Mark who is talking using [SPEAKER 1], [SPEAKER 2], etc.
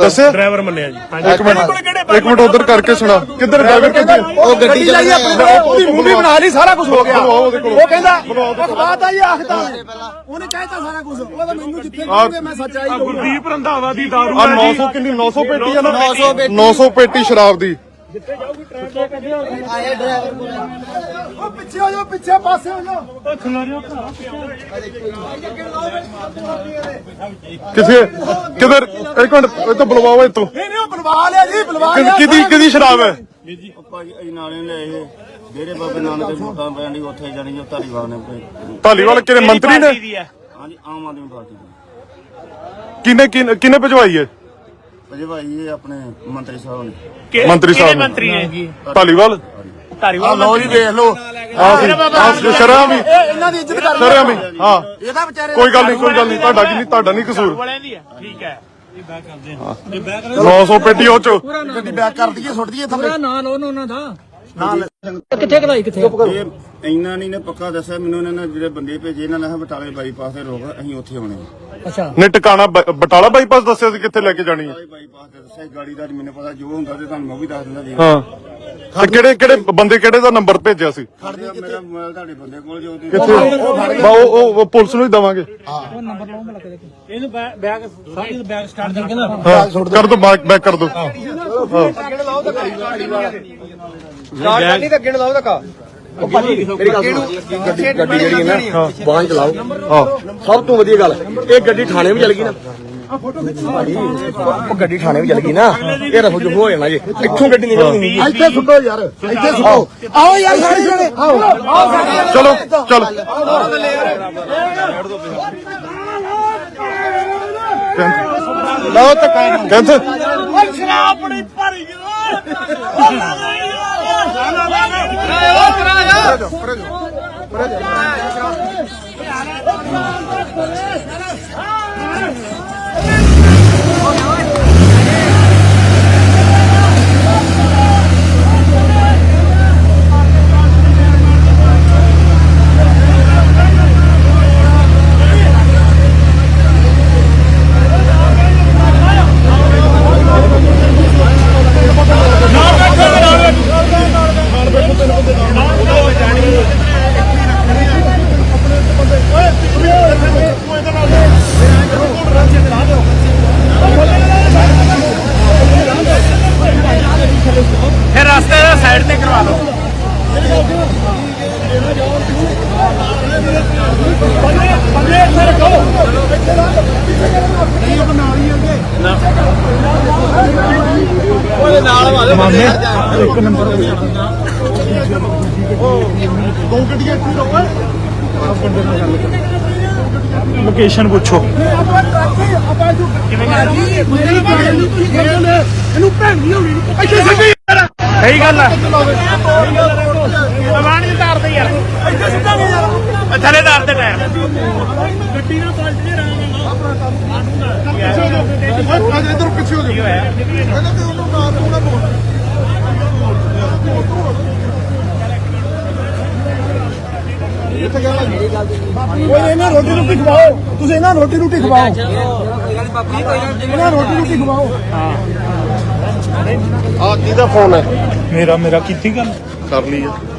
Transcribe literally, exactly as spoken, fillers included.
[SPEAKER 1] ਦੱਸਿਆ
[SPEAKER 2] ਡਰਾਈਵਰ ਮੰਨਿਆ ਜੀ।
[SPEAKER 1] ਇੱਕ ਮਿੰਟ ਇੱਕ ਮਿੰਟ ਉਧਰ ਕਰਕੇ ਸੁਣਾ ਕਿੱਧਰ ਡਰਾਈਵਰ ਕਿੱਥੇ
[SPEAKER 3] ਉਹ ਗੱਡੀ ਲਾਈ ਆਪਣੀ ਮੂਵੀ ਬਣਾ ਲਈ ਸਾਰਾ ਕੁਝ ਹੋ ਗਿਆ ਉਹ ਕਹਿੰਦਾ ਅਖਬਾਰ ਹੀ ਆਖਦਾ ਉਹਨੇ ਕਹਿਤਾ ਸਾਰਾ ਕੁਝ ਉਹ ਤਾਂ ਮੈਨੂੰ ਜਿੱਥੇ ਕਹੋਗੇ ਮੈਂ ਸੱਚਾਈ ਕਹੂੰਗਾ।
[SPEAKER 2] ਗੁਰਦੀਪ ਰੰਧਾਵਾ ਦੀ ਦਾਰੂ
[SPEAKER 1] ਆ ਨੌ ਸੌ ਕਿੰਨੀ ਨੌ ਸੌ ਪੇਟੀ ਆ ਨਾ ਨੌ ਸੌ ਪੇਟੀ ਸ਼ਰਾਬ ਦੀ
[SPEAKER 3] ਜਿੱਥੇ ਜਾਊਗੀ ਟਰੱਕ ਆਏ ਡਰਾਈਵਰ ਕੋਲ ਉਹ ਪਿੱਛੇ ਹੋ ਜਾਓ ਪਿੱਛੇ ਪਾਸੇ ਹੋ ਜਾਓ ਉਹ ਖਿਲਾਰਿਓ
[SPEAKER 1] ਕਿੱਥੇ ਕਿੱਧਰ ਇੱਕ ਮਿੰਟ ਇਹ ਤਾਂ ਬੁਲਵਾਓ ਇੱਥੋਂ
[SPEAKER 3] ਨਹੀਂ ਨਹੀਂ ਉਹ ਬੁਲਵਾ ਲਿਆ ਜੀ ਬੁਲਵਾ ਲਿਆ
[SPEAKER 1] ਕਿਹਦੀ ਕਿਹਦੀ ਸ਼ਰਾਬ ਹੈ
[SPEAKER 4] ਭਾਜੀ ਨਾਲੇ ਨੇ ਇਹ ਡੇਰੇ ਬਾਬੇ ਨਾਨਕ ਦੇ ਵੋਟਾਂ ਪੈਣ ਦੀ ਉੱਥੇ ਜਾਣੀ ਜੋ ਧਾਲੀਵਾਲ ਨੇ
[SPEAKER 1] ਧਾਲੀਵਾਲ ਕਿਹੜੇ ਮੰਤਰੀ ਨੇ
[SPEAKER 4] ਹਾਂਜੀ ਆਮ ਆਦਮੀ ਪਾਰਟੀ ਦੇ
[SPEAKER 1] ਕਿਨੇ ਕਿਨੇ ਭਜਵਾਈ ਹੈ
[SPEAKER 4] ਅਜੇ ਭਾਈ ਇਹ ਆਪਣੇ ਮੰਤਰੀ ਸਾਹਿਬ ਨੇ
[SPEAKER 1] ਮੰਤਰੀ ਸਾਹਿਬ
[SPEAKER 2] ਮੰਤਰੀ ਨੇ ਜੀ
[SPEAKER 1] ਧਾਲੀਵਾਲ
[SPEAKER 2] ਧਾਰੀਵਾਲ
[SPEAKER 4] ਲਓ ਜੀ ਵੇਖ ਲਓ
[SPEAKER 1] ਆ ਸ਼ਰਾਬ ਵੀ
[SPEAKER 3] ਇਹਨਾਂ ਦੀ ਇੱਜ਼ਤ ਕਰ
[SPEAKER 1] ਸ਼ਰਾਬ ਵੀ ਹਾਂ
[SPEAKER 3] ਇਹਦਾ ਵਿਚਾਰੇ
[SPEAKER 1] ਕੋਈ ਗੱਲ ਨਹੀਂ ਕੋਈ ਗੱਲ ਨਹੀਂ ਤੁਹਾਡਾ ਕੀ ਨਹੀਂ ਤੁਹਾਡਾ ਨਹੀਂ ਕਸੂਰ
[SPEAKER 2] ਵਾਲਿਆਂ ਦੀ ਹੈ ਠੀਕ ਹੈ
[SPEAKER 1] ਨੌ ਸੌ ਪੇਟੀ ਉਹ ਚ
[SPEAKER 3] ਗੱਡੀ ਬੈਕ ਕਰ ਦਈਏ ਸੁੱਟ ਦਈਏ ਥੱਲੇ
[SPEAKER 5] ਨਾ ਲੋ ਉਹਨਾਂ ਦਾ
[SPEAKER 4] ਨਾਲ
[SPEAKER 5] ਕਿੱਥੇ ਕਢਾਈ ਕਿੱਥੇ
[SPEAKER 4] ਇਹ ਇੰਨਾ ਨਹੀਂ ਨੇ ਪੱਕਾ ਦੱਸਿਆ ਮੈਨੂੰ ਇਹਨਾਂ ਨੇ ਜਿਹੜੇ ਬੰਦੇ ਭੇਜੇ ਇਹਨਾਂ ਨੇ ਬਟਾਲੇ ਬਾਈਪਾਸ ਤੇ ਰੋਕ ਅਸੀਂ ਉੱਥੇ ਆਉਣੇ
[SPEAKER 5] ਅੱਛਾ
[SPEAKER 1] ਨੇ ਟਿਕਾਣਾ ਬ- ਬਟਾਲਾ ਬਾਈਪਾਸ ਦੱਸਿਆ ਸੀ ਕਿੱਥੇ ਲੈ ਕੇ ਜਾਣੀ ਹੈ
[SPEAKER 4] ਬਾਈਪਾਸ ਤੇ ਦੱਸਿਆ ਗਾੜੀ ਦਾ ਮੈਨੂੰ ਪਤਾ ਜੋ ਹੁੰਦਾ ਤੇ ਤੁਹਾਨੂੰ ਮੈਂ ਵੀ ਦੱਸ ਦਿੰਦਾ ਜੀ
[SPEAKER 1] ਹਾਂ ਤੇ ਕਿਹੜੇ ਕਿਹੜੇ ਬੰਦੇ ਕਿਹੜੇ ਦਾ ਨੰਬਰ ਭੇਜਿਆ ਸੀ
[SPEAKER 4] ਮੇਰਾ ਮੋਬਾਈਲ ਤੁਹਾਡੇ ਬੰਦੇ ਕੋਲ ਜੋ
[SPEAKER 1] ਕਿੱਥੇ ਬਾ ਉਹ ਉਹ ਪੁਲਿਸ ਨੂੰ ਹੀ ਦਵਾਂਗੇ
[SPEAKER 5] ਉਹ ਨੰਬਰ ਲਾਉਂ ਲੱਗ ਦੇ ਇਹਨੂੰ ਬੈਗ ਸਾਡੀ ਬੈਗ ਸਟਾਰਟ ਕਰਕੇ ਨਾ
[SPEAKER 1] ਹਾਂ ਕਰ ਦੋ ਬੈਕ ਬੈਕ ਕਰ ਦੋ
[SPEAKER 3] ਗਾੜੀ ਤਾਂ ਅੱਗੇ ਲਾਓ ਧੱਕਾ ਉਹ ਭਾਜੀ ਮੇਰੀ ਗੱਲ ਗੱਡੀ ਗੱਡੀ ਜਿਹੜੀ ਹੈ ਨਾ ਬਾਹਰ ਚਲਾਓ
[SPEAKER 1] ਹਾਂ
[SPEAKER 3] ਸਭ ਤੋਂ ਵਧੀਆ ਗੱਲ ਇਹ ਗੱਡੀ ਥਾਣੇ ਵੀ ਚਲ ਗਈ ਨਾ ਭਾਜੀ ਉਹ ਗੱਡੀ ਥਾਣੇ ਵੀ ਚਲ ਗਈ ਨਾ ਇਹ ਰਫੂ ਜੋ ਹੋ ਜਾਣਾ ਜੀ ਇੱਥੋਂ ਗੱਡੀ ਨਿਕਲਣੀ ਇੱਥੇ ਸੁੱਟੋ ਯਾਰ ਇੱਥੇ ਸੁੱਟੋ ਆਓ ਯਾਰ ਸਾਰੇ ਜਣੇ ਆਓ ਆਓ
[SPEAKER 1] ਚਲੋ ਚਲ
[SPEAKER 3] ਲਓ ਧੱਕਾ
[SPEAKER 1] ਕਹਿੰਦੇ
[SPEAKER 2] ਸ਼ਰਾਬ ਬੜੀ ਭਰੀ ਗਈ ਫਿਰ ਰਸਤੇ ਦਾ ਸਾਈਡ ਤੇ ਕਰਵਾ ਲਓ ਬੰਦੇ ਇੱਥੇ ਰੱਖੋ
[SPEAKER 3] ਉਹਦੇ ਨਾਲ ਵਾਲੇ ਬੰਦੇ
[SPEAKER 1] ਇੱਕ ਨੰਬਰ ਦੋ ਗੱਡੀਆਂ ਇੱਥੇ ਰੋਕ ਲੋਕੇਸ਼ਨ ਪੁੱਛੋ
[SPEAKER 3] ਇਹਨੂੰ ਭੈਣ ਨਹੀਂ ਹੋਣੀ ਇੱਥੇ ਸਿੱਧੀ
[SPEAKER 2] ਸਹੀ ਗੱਲ ਹੈ ਦਵਾਨ ਦੀ ਤਾਰ ਤੇ ਯਾਰ
[SPEAKER 3] ਇੱਥੇ ਸਿੱਧਾਂਗੇ ਯਾਰ
[SPEAKER 2] ਥੱਲੇ ਤਾਰ ਤੇ ਟਾਇਰ
[SPEAKER 3] ਗੱਡੀ ਨਾਲ ਪਲਟ ਨਹੀਂ ਰਹਾਂਗਾ ਆਪਣਾ
[SPEAKER 1] ਇੱਧਰ ਪਿੱਛੇ ਹੋ ਜਾਓ ਇਹਨਾਂ ਤੇ ਉਹਨੂੰ ਮਾਰ ਦੂੰਗਾ ਬੋਲ
[SPEAKER 3] ਓਏ ਇਹਨਾਂ ਰੋਟੀ ਰੋਟੀ ਖਵਾਓ ਤੁਸੀਂ ਇਹਨਾਂ ਰੋਟੀ ਰੋਟੀ ਖਵਾਓ ਇਹਨਾਂ ਰੋਟੀ ਰੋਟੀ ਖਵਾਓ
[SPEAKER 1] ਆ ਕਿਹਦਾ ਫੋਨ ਹੈ
[SPEAKER 2] ਮੇਰਾ ਮੇਰਾ ਕੀਤੀ ਗੱਲ
[SPEAKER 1] ਕਰ ਲਈ ਹੈ